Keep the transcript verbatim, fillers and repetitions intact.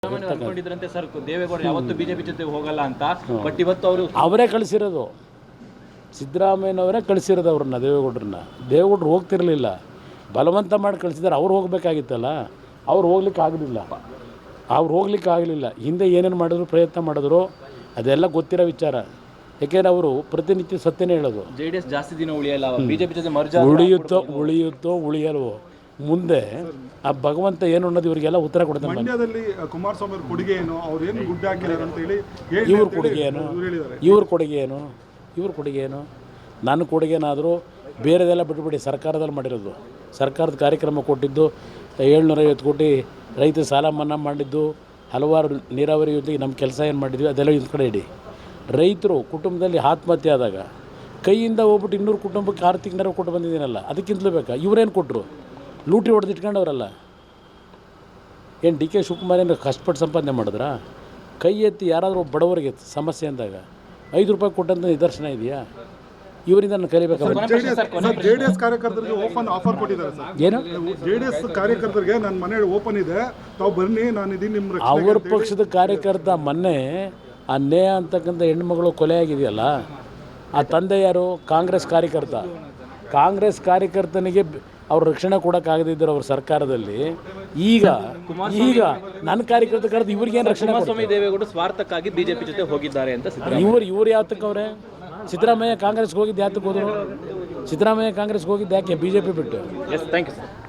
ಅನ್ಕೊಂಡಿದ್ರಂತೆ sir Deve Gowda ಯಾವತ್ತು BJP ಜೊತೆ ಹೋಗಲ್ಲ ಅಂತ. ಬಟ್ ಇವತ್ತು ಅವರು ಅವರೇ ಕಳಿಸಿರೋದು, ಸಿದ್ದರಾಮಯ್ಯನವರೇ ಕಳಿಸಿರೋದು ಅವ್ರನ್ನ, ದೇವೇಗೌಡರನ್ನ. ದೇವೇಗೌಡರು ಹೋಗ್ತಿರಲಿಲ್ಲ, ಬಲವಂತ ಮಾಡಿ ಕಳಿಸಿದ್ದಾರೆ. ಅವ್ರು ಹೋಗ್ಬೇಕಾಗಿತ್ತಲ್ಲ, ಅವ್ರು ಹೋಗ್ಲಿಕ್ಕೆ ಆಗಲಿಲ್ಲ ಅವ್ರು ಹೋಗ್ಲಿಕ್ಕೆ ಆಗಲಿಲ್ಲ ಹಿಂದೆ ಏನೇನು ಮಾಡಿದ್ರು, ಪ್ರಯತ್ನ ಮಾಡಿದ್ರು, ಅದೆಲ್ಲ ಗೊತ್ತಿರೋ ವಿಚಾರ. ಯಾಕೆಂದರೆ ಅವರು ಪ್ರತಿನಿತ್ಯ ಸತ್ಯನೇ ಹೇಳೋದು. ಜೆ ಡಿ ಎಸ್ ಜಾಸ್ತಿ ದಿನ ಉಳಿಯಲ್ಲ, ಬಿಜೆಪಿ ಜೊತೆ ಮರ್ಜ್ ಉಳಿಯುತ್ತೋ ಉಳಿಯುತ್ತೋ ಉಳಿಯಲ್ವೋ ಮುಂದೆ ಆ ಭಗವಂತ ಏನು ಅನ್ನೋದು ಇವರಿಗೆಲ್ಲ ಉತ್ತರ ಕೊಡ್ತಾನೆ. ಮಂಡ್ಯದಲ್ಲಿ ಕುಮಾರಸ್ವಾಮಿ ಅವ್ರ ಕೊಡುಗೆ ಏನು, ಅವ್ರು ಏನು ಗುಡ್ಡ ಹಾಕಿದ್ದಾರೆ ಅಂತ ಹೇಳಿ ಇವ್ರ ಕೊಡುಗೆ ಏನು, ಇವ್ರ ಕೊಡುಗೆ ಏನು, ಇವ್ರ ಕೊಡುಗೆ ಏನು? ನನ್ನ ಕೊಡುಗೆನಾದರೂ ಬೇರೆದೆಲ್ಲ ಬಿಟ್ಬಿಡಿ, ಸರ್ಕಾರದಲ್ಲಿ ಮಾಡಿರೋದು, ಸರ್ಕಾರದ ಕಾರ್ಯಕ್ರಮ ಕೊಟ್ಟಿದ್ದು, ಏಳ್ನೂರೈವತ್ತು ಕೋಟಿ ರೈತ ಸಾಲ ಮನ್ನಾ ಮಾಡಿದ್ದು, ಹಲವಾರು ನೀರಾವರಿ ಯೋಜನೆಗೆ ನಮ್ಮ ಕೆಲಸ ಏನು ಮಾಡಿದ್ವಿ ಅದೆಲ್ಲ ಒಂದು ಕಡೆ ಇಡಿ. ರೈತರು ಕುಟುಂಬದಲ್ಲಿ ಆತ್ಮಹತ್ಯೆ ಆದಾಗ ಕೈಯಿಂದ ಹೋಗ್ಬಿಟ್ಟು ಇನ್ನೂರು ಕುಟುಂಬಕ್ಕೆ ಆರು ತಿಂಗಳ ಕೊಟ್ಟು ಬಂದಿದ್ದೀನಲ್ಲ, ಅದಕ್ಕಿಂತಲೂ ಬೇಕಾ? ಇವರೇನು ಕೊಟ್ಟರು? ಲೂಟಿ ಹೊಡೆದು ಇಟ್ಕೊಂಡವ್ರಲ್ಲ. ಏನು ಡಿ ಕೆ ಶಿವಕುಮಾರ್ ಏನು ಕಷ್ಟಪಟ್ಟು ಸಂಪಾದನೆ ಮಾಡಿದ್ರಾ? ಕೈ ಎತ್ತಿ ಯಾರಾದರೂ ಬಡವರಿಗೆ ಸಮಸ್ಯೆ ಅಂದಾಗ ಐದು ರೂಪಾಯಿ ಕೊಟ್ಟಂತ ನಿದರ್ಶನ ಇದೆಯಾ? ಇವರಿಂದ ನಾನು ಕಲಿಬೇಕಾಗುತ್ತೆ. ಜೆ ಡಿ ಎಸ್ ಕಾರ್ಯಕರ್ತರಿಗೆ ಓಪನ್ ಆಫರ್ ಕೊಟ್ಟಿದ್ದಾರೆ ಸರ್. ಏನು ಜೆ ಡಿ ಎಸ್ ಕಾರ್ಯಕರ್ತರಿಗೆ ನನ್ನ ಮನೆ ಓಪನ್ ಇದೆ, ತಾವು ಬನ್ನಿ, ನಾನು ಇದೀನಿ ನಿಮ್ಮ. ಅವ್ರ ಪಕ್ಷದ ಕಾರ್ಯಕರ್ತ ಮೊನ್ನೆ ಆ ನೇಹ ಅಂತಕ್ಕಂಥ ಹೆಣ್ಮಗಳು ಕೊಲೆ ಆಗಿದೆಯಲ್ಲ, ಆ ತಂದೆ ಯಾರು? ಕಾಂಗ್ರೆಸ್ ಕಾರ್ಯಕರ್ತ. ಕಾಂಗ್ರೆಸ್ ಕಾರ್ಯಕರ್ತನಿಗೆ ಅವ್ರ ರಕ್ಷಣೆ ಕೊಡೋಕ್ಕಾಗದಿದ್ದರು ಅವ್ರ ಸರ್ಕಾರದಲ್ಲಿ. ಈಗ ಈಗ ನನ್ನ ಕಾರ್ಯಕರ್ತ ಕರೆದು ಇವ್ರಿಗೇನು ರಕ್ಷಣೆ? ಕುಮಾರಸ್ವಾಮಿ ದೇವೇಗೌಡ ಸ್ವಾರ್ಥಕ್ಕಾಗಿ ಬಿಜೆಪಿ ಜೊತೆ ಹೋಗಿದ್ದಾರೆ ಅಂತ. ಇವ್ರು ಇವ್ರು ಯಾತಕ್ಕೆ ಅವರೇ? ಸಿದ್ದರಾಮಯ್ಯ ಕಾಂಗ್ರೆಸ್ಗೆ ಹೋಗಿದ್ದು ಯಾತಕ್ಕೆ ಹೋದರು? ಸಿದ್ದರಾಮಯ್ಯ ಕಾಂಗ್ರೆಸ್ಗೆ ಹೋಗಿದ್ದು ಯಾಕೆ? ಬಿ ಜೆ ಪಿ ಬಿಟ್ಟು. Yes, thank you sir.